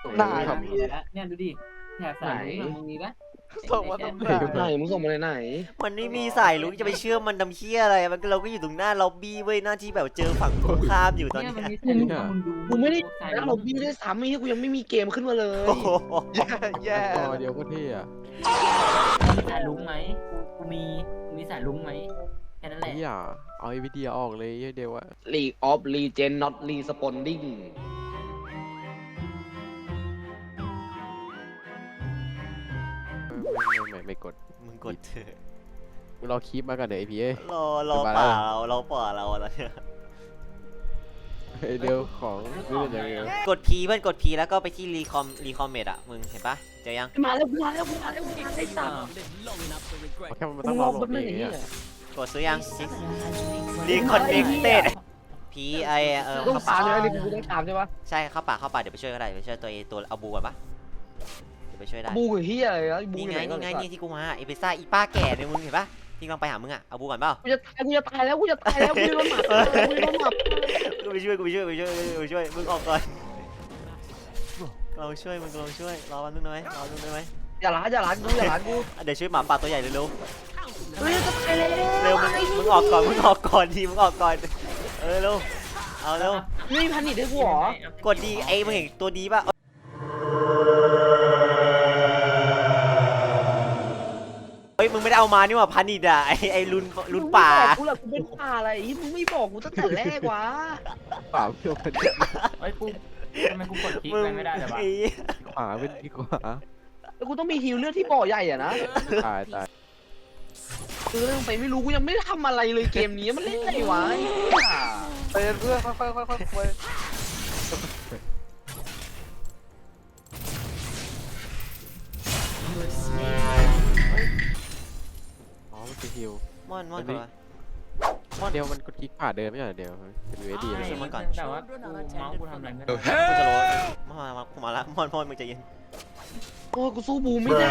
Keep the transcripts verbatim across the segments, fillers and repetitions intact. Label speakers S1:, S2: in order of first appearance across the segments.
S1: ไหน
S2: มีแล้วเนี่ยดูดิแถบสายลุงมึงมีปะ
S1: ส่งมาตรงไหนไหนมึงส่งมาไหน
S3: มันไม่มีสายลุกจะไปเชื่อมันดำเชี่ยอะไรมันก็เราก็อยู่ตรงหน้าล็อบบี้เว้ยหน้าที่แบบเจอฝั่งตรงข้ามอยู่ตอน
S2: เนี่ย
S3: นี้
S2: มันมีสายลุงมึงดู
S1: กูไม่ได้
S2: สาย
S1: แล้ว
S2: ลุ
S1: เรา
S2: ง
S1: บี้ได้ซ้ำไอ้เหี้ยกูยังไม่มีเกมขึ้นมาเลย
S3: โอ้โห
S1: แย่แย่
S4: ต่อเดียวก็เท่อะ
S2: มีสายลุงไหมกูมีมีสายลุงไหมแค่นั้นแหละ
S4: เฮียเอาไอ้วิดีโอออกเลยเหี้ยเดียวอะ
S1: League of Legend not responding
S4: ไม่ไม่ไม่ไม่กด
S3: มึงกดเถอะ
S4: มึงรอคลิปมากันเดี๋ยวไอพีเอ้ย
S3: รอรอป่าเรารอป่าเราอะไรเนี่ย
S4: ไอเดียวของนี่เป็นยังไง
S3: กด P เพื่อนกด P แล้วก็ไปที่รีคอมรีคอมเมดอะมึงเห็นปะเจอยัง
S1: มาแล้วมาแล้วมาแล้วมาไอ้สัตว์
S4: แค่มัน
S1: มึ
S4: ต้อง ง
S1: ร
S4: ร
S1: อ
S4: อโหล
S1: แป๊
S4: ด
S1: บนึ
S4: เอง ง
S1: ไอ้เหี้ย
S4: อะ
S3: กดซื้อยัง Reconnected P I เออ
S1: ต้อง
S3: เข้า
S1: ตา
S3: ป่าม
S1: ใช่ไหมนี่กูต้องตามใช่ปะ
S3: ใช่เข้าป่าเข้าป่าเดี๋ยวไปช่วยก็ได้ไปช่วยตัวเอตัวเอาบูก่อนปะเดี๋ยวไปช่วยได้
S1: บูกับเหี้ยอะไรนะบู
S3: นี่
S1: อยู่
S3: ไง
S1: ไหน
S3: นี่ไงนี่ที่กูมาเอเปซ่าอีป้าแก่เนี่ยมึงเห็นปะที่กำลังไปหามึงอะเอาบูก่อนเปล่า
S1: กูจะตายกูจะตายแล้วกูจะตายแล้วกูจะโดนหมับกูจะโดนหมับ
S3: กูไปช่วยกูไปช่วยไปช่วยไปช่วยมึงออกก่อนเราช่วยมึงเราช่วยรอวันนึงได้ไหมรอวันนึงได้ไหม
S1: อย่าล้าอย่าล้ากูอย่าล้ากู
S3: เดี๋ยวช่วยหมาป่าตัวใหญ่เร็ว
S1: เฮ้ยจะตายแล้ว
S3: ๆเร็วมึงมึงออกก่อนมึงออกก่อนทีมึงออกก่อนเออเร็วเอาเร็ว
S1: ไม่มีพันนิดให้กูเหรอก
S3: ดดีไอ้มึงเห็นตัวดีป่ะเฮ้ยมึงไม่ได้เอามานี่หว่าพันนิดอ่ะไอ้ไอ้ลุนลุนป่า
S1: กูหรอกูเป็นป่าอะไรมึงไม่บอกกูตั้งแต่แรกวะ
S4: เปล่าเพื่อมัน
S2: เฮ้ยกูทำไมกูกดคลิก
S3: มึง
S2: ไปไม่ได้เลยวะ
S3: ไอ้
S4: ขวาเป็นดีกว่า
S1: แล้วกูต้องมีฮิวเลือดที่บ่อใหญ่อะนะ
S4: ตายตาย
S1: คือเรื่องไปไม่รู้กูยังไม่ได้ทำอะไรเลยเกมนี้มันเล่นไงวะไปเพื่อนค่อยๆค่อยๆค่อย
S4: อ๋อมันคือฮิว
S3: มอนมอน
S4: อันนี้
S3: ก่อน
S4: เดียวมันกดคลิกขวาเดินไม่ใช่เหรอเดียวเป็นยูเอสดี
S3: ไม่
S4: เลย
S3: ใช่ มันก่อน
S2: แต่ว่ากูเมาส์กูทำอะไรไม่ได้
S3: กูจะโรยมามากูมาละมอนมอนมึงใจเย็น
S1: โอ้กูสู้บูไม่ได้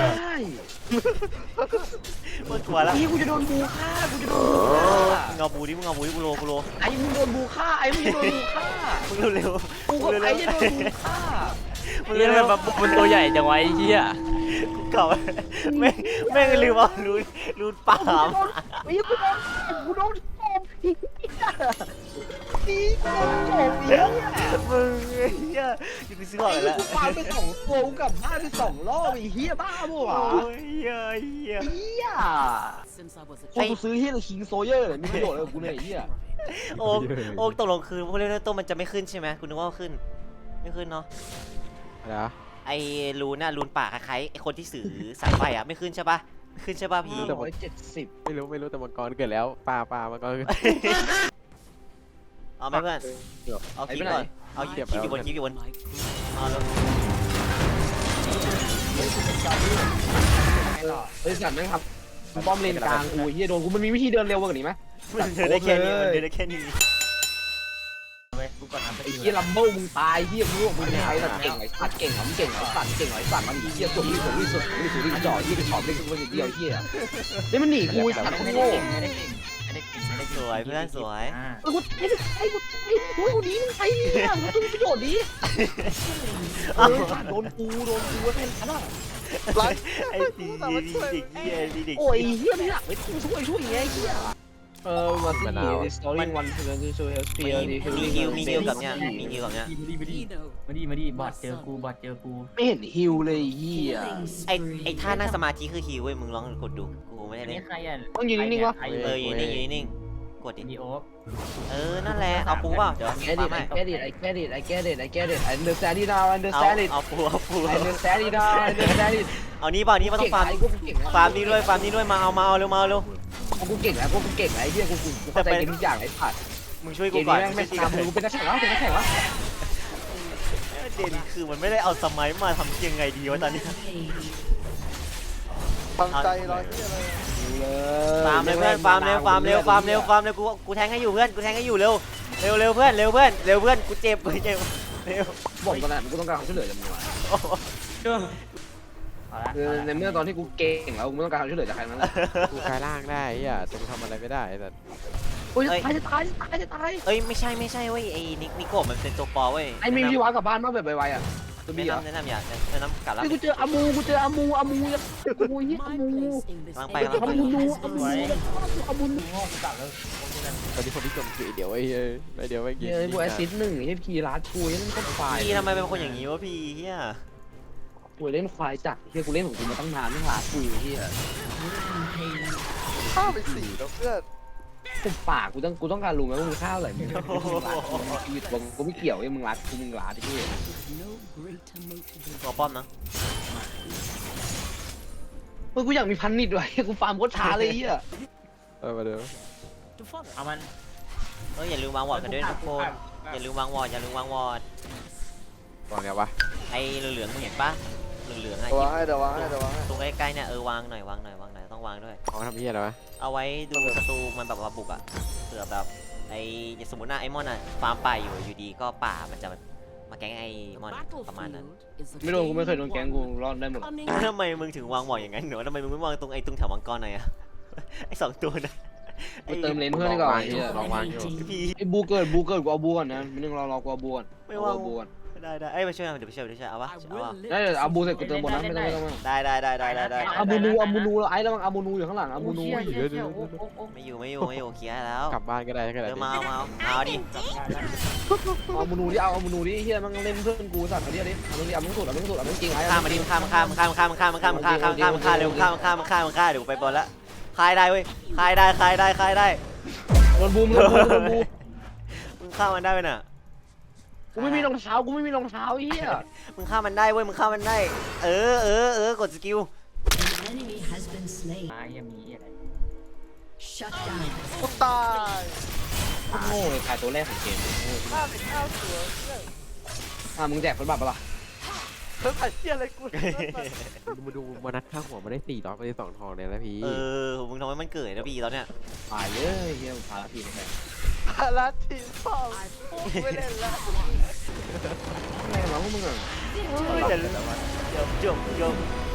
S3: มึงกลัวละ
S1: พี่กูจะโดนบูฆ่ากูจะโดนบูฆ่า
S3: มึงเอาบูดิมึงเอาบูดิกูโลกูโล
S1: ไอ้มึงโดนบูฆ่าไอ้มึงโดนบูฆ่า
S3: มึงเร็ว
S1: กูกับไอ้จะโดนบูฆ่า
S3: ๆมึง
S5: เฮีย
S3: เร็ว
S5: มันมันตัวใหญ่จังวะไอ้เฮีย
S3: กูเก่าแม่งแม่งลืมเอารูนรูนป่า
S1: กูโดนไอ้กูโดนกูโดนตบพี่พี่กูโดนตบพี่
S3: มึงเฮียอยู่กูซื้อก่อน
S1: ไอ้
S3: แล้ว
S1: กูฟาไปสองตัวกูกลับบ้านไปสองรอบไอ้เฮียบ้าปะวะ
S3: โอ้ยเฮียเฮีย
S1: เฮียโอ้กูซื้อเฮียคิงโซเยอร์เลยมีประโยชน์เลยกูเนี่ยไอ้เฮีย
S3: โอ๊กโอ๊กตกลงคือพวกเล่นตัวมันจะไม่ขึ้นใช่ไหมคุณนึกว่าขึ้นไม่ขึ้นเนาะ
S4: นะ
S3: ไอ้รูนน่ะรูนป่าคล้ายๆไอ้คนที่สื่อสายไฟอ่ะไม่ขึ้นใช่ปะไม่ขึ้นใช่ปะพี่
S1: ร้อยเจ็ดสิบ
S4: ไม่รู้ไม่รู้แต่มังกรเกิดแล้วปลาปลามังกรเกิด
S3: เอาไหมเพื่อนเอาคลิปก่อนเอาคลิปอยู่บนคลิปอยู่บนเอาแล้ว
S1: เฮ้ยสัตว์แม่งครับป้อมเลนกลางกูเฮียโดนกูมันมีวิธีเดินเร็วกว่านี้ไหม
S3: มันเดินได้แค่นี้มันเดินได้แค่นี้
S2: เว้ยกูกดทำไป
S1: ไอ้
S2: ดี
S1: เฮียลัมเบิลมึงตายเฮียมึงรู้ว่ามึงไอ้สัตว์เก่งไอ้สัตว์เก่งเหรอมึงเก่งเหรอสัตว์เก่งเหรอไอ้สัตว์มันเฮียสุดที่สุดที่สุดที่สุดที่จ่อเฮียไปถอดเล่นกูคนเดียวเฮียนี่มันหนีกูไอ้สัตว์
S2: ไม่ได้
S1: โง่
S2: เก่งไม่ได้เก่งไม่ได้เก่งไม่ได้
S3: สวยเพื่อนสวย
S2: อ่า
S1: ไอ้กูไอ้ไอ้กูไอ้กูกูดีมึงใครเนี่ยมึงต้องมีประโยชน์ดีเออสัตว์โดนกูโดนกูแค่นั้นอ่ะ
S3: ไอ้ดีดีดีเด็กเฮียดีเด็ก
S1: โอ้ยเฮียไม่หลักไม่ต้องช่วยช่วยไงเฮียเออมาสิ installing one to to help
S3: มี
S1: spear
S3: มีฮิวมีฮิวกับเนี้ยมีฮิวกับเนี้ย
S2: มาดีมาดีมาดีมาดีบอดเจอกูบอดเจอกู
S1: ไม่เห็นฮิวเลยเฮีย
S3: ไอ้ไอ้ท่านั่งสมาธิคือฮิวเว้ยมึงลองกดดูกูไม่ได้
S2: อัน
S3: เล่
S2: นี้
S3: น
S2: ใครอ่ะ
S1: ต้องยืนนิ่งๆวะ
S2: ใคร
S3: เออยืนนิ่งยืนนิ่งกดดิ
S2: ดีโอ๊ค
S3: เออนั่นแหละเอาปูเปล่าเดี๋ยว
S1: I get
S3: ปา
S1: it
S3: ไม่
S1: I get it I get it I get it I get it I understand it now I
S3: เอา
S1: understand it
S3: เอาปูเอาปู
S1: I understand it now I understand it
S3: เอานี้เปล่านี้มันต้องฟาร์ม
S1: ไอ้กูเก่งแล้ว
S3: ฟาร์มนี้ด้วยฟาร์มนี้ด้วยมาเอามาเอาเร็วมาเอาเร็ว
S1: กูเก่งแล้วกูเก่งแล้วไอ้เหี้ยกูกูเข้าใจเกมทุกอย่างไอ้ผัด
S3: มึงช่วย
S1: เก
S3: กู
S1: ม
S3: ก่อน
S1: นี้แม่งไม่ทำกูเป็นนักแข่งแล้วเป็นนักแข่งแล้ว
S3: เด่นคือมันไม่ได้เอาสมัยมาทำยังไงดีวะตอนนี้
S1: ฟังใจร้อยที่อะไร
S3: ฟาร์มเลยเพื่อนฟาร์มเร็วฟาร์มเร็วฟาร์มเร็วฟาร์มเร็วกูกูแทงให้อยู่เพื่อนกูแทงให้อยู่เร็วเร็วเร็วเพื่อนเร็วเพื่อนเร็วเพื่อนกูเจ็บกูเจ็บเร็ว
S1: บอกตอนนั้นกูต้องการความช่วยเหลือจากมึงว่ะ
S2: เอาละ
S1: คือในเมื่อตอนที่กูเก่งแล้วกูไม่ต้องการความช่วยเหลือจากใครนั้นแหละ
S4: กูกลายร่างได้อ่ะแต่กูทำอะไรไม่ได้แต่
S1: โอ้ยตายจะตายจะตายจะตาย
S3: เอ้ยไม่ใช่ไม่ใช่เว้ยไอ้นิกนิโกะมันเป็นตัวปอเว้ย
S1: ไอ้มีวิวากลับบ้านมาแบบไวๆอ่ะตัว
S3: แนะ
S1: บี้เหรอน
S3: ำแนะนำอย่าแนะนำกัดแล้ว
S1: นี่กูเจออามูกูเจออามูอามูยังอามูเฮียอามู
S3: กำลังไปกำลัง
S1: อา
S3: ไป
S1: มูนูอามูอามู
S2: โง่กูตัดแล้วโอเคกัน
S4: ตอนนี้คนที่จมคือไอ้เดี๋ยวไอ้เหี้ยไอ้เดี๋ยวไอ้
S1: เฮียไอ้พวกแอซิดหนึ่งไอ้พีรัดกูเล่นก็ควาย
S3: พี่ทำไมเป็นคนอย่างนี้วะพี่เฮีย
S1: กูเล่นควายจัดเฮียกูเล่นของกูมาตั้งนานไม่รัดกูเฮีย
S6: ข้าวไปสี่แล้วเพื่อน
S1: กูปากกูต้องกูต้องการรู้ไหมว่ามึงข้าวอะไรมึงรัดกูชีวิตกูกูไม่เกี่ยวไอ้มึงรัดกูมึงรัดไอ้เฮีย
S3: ตัวป้อมนะ
S1: เฮ้ยกูอยากมีพันนิดด้วยกูฟาร์มโคตรช้าเลยเฮีย
S4: เออมาเดี๋ยว
S2: เอามัน
S3: เอออย่าลืมวางวอร์ดกันด้วยทุกคนอย่าลืมวางวอร์ดอย่าลืมวางวอร์ด
S4: ตอนเนี้ยวะ
S3: ไอ้เหลืองๆมึงเห็นปะเหลืองๆอะ
S6: เดี๋ยววางให้เดี๋ยววางให้เดี๋ยววางให้
S3: ตรงใกล้ๆเนี่ยเออวางหน่อยวางหน่อยวางหน่อยต้องวางด้วย
S4: เขาทำเหี้ยอะไรวะ
S3: เอาไว้ดูศัตรูมันแบบว่าบุกอะเผื่อแบบไอ้สมมติว่าไอ้มอนอะฟาร์มป่าอยู่อยู่ดีก็ป่ามันจะมาแก๊งไอ้มอนประมาณนั้น
S1: ไม่โดนกูไม่เคยโดนแกงกูรอดได้หมด
S3: ทำไมมึงถึงวางวอร์ดอย่างนั้นหนูทำไมมึงไม่วางตรงไอ้ตรงแถวมังกรหน่อยอะ ไอ้สองตัวนะ
S1: กูเติมเลนเพื่อนดีกว่าไอ้เฮีย
S4: ลองวางอยู่
S3: พี่
S1: ไอ้บูเกิดบูเกิดกูเอาบูก่อนนะมันนึงรอรอกูเอาบูก่อน
S3: ไม่ว่าง
S1: เอบูก่อน
S3: ได้ได้เอ้ยมาช่วยเดี๋ยวไปช่วยเดี๋ยวไปช่วยเอาปะเอาปะ
S1: ได้เดี๋ยวเอาบูเสร็จกูเติมบนนะไม่ต้องไม่ต้องไม่ต้อง
S3: ได้ได้ได้ได้ได้ได้
S1: อามูนูอามูนูแล้วไอ้ระวังอามูนูอยู่ข้างหลังอามูนู
S2: เชี่ยเชี่ยเชี่ยโอ้โอ้โอ้
S3: ไม่อยู่ไม่อยู่ไม่อยู่เคลียร์แล้ว
S4: กลับบ้านก็ได้ก็ได้
S3: เดี๋ยวมาเอามาเอาเอาดิ
S1: อามูนูดิเอาอามูนูดิเฮียมันเล่นเพื่อนกูสัตว์มาดิดิเอาดิเอามึงสุดเอามึงสุดเอามึงจริงไอ้
S3: ข้ามมาดิข้ามข้ามข้ามข้ามข้ามข้ามข้ามข้ามข้ามข้ามเร็วข้ามข้ามข้ามข้ามเดี๋ยวไปบอลละคลายได้เว้ยคลายได้คลายได้คลายได้
S1: โดนบูมโดนบูมโดนบูม
S3: มึงข้ามมันได้ไหมน่ะ
S1: กูไม่มีรองเท้ากูไม่มีรองเท้าเฮีย
S3: มึงข้ามมันได้เว้ยมึงข้ามมันได้เออเออเออกดสกิล
S7: enemy has been slain.
S2: ตายยังมีอะไร
S7: Shut down.
S6: กูตาย
S1: โง่เลยขายตัวแรกของเกม
S6: ห้าสิบเก้าตัวเพื่อน
S1: อ่ะมึงแจกคนบัตรปะล่ะ
S6: เพิ่งถ่ายเที่ยอะไรกู
S4: มาดูมานัดข้างหัวมาได้สี่ดอกไปได้สองทองเนี่ยนะพี่
S3: เออมึงทำให้มันเกิดนะพี่ตอนเนี้ย
S1: ตายเลยเฮียพาทีไปแทน
S6: พาราทีมพ่อไม่เล่นแล้ว
S1: อะไรกันวะพวกมึงอ่ะ
S3: เดี๋ยวเดี๋ยวจบจบ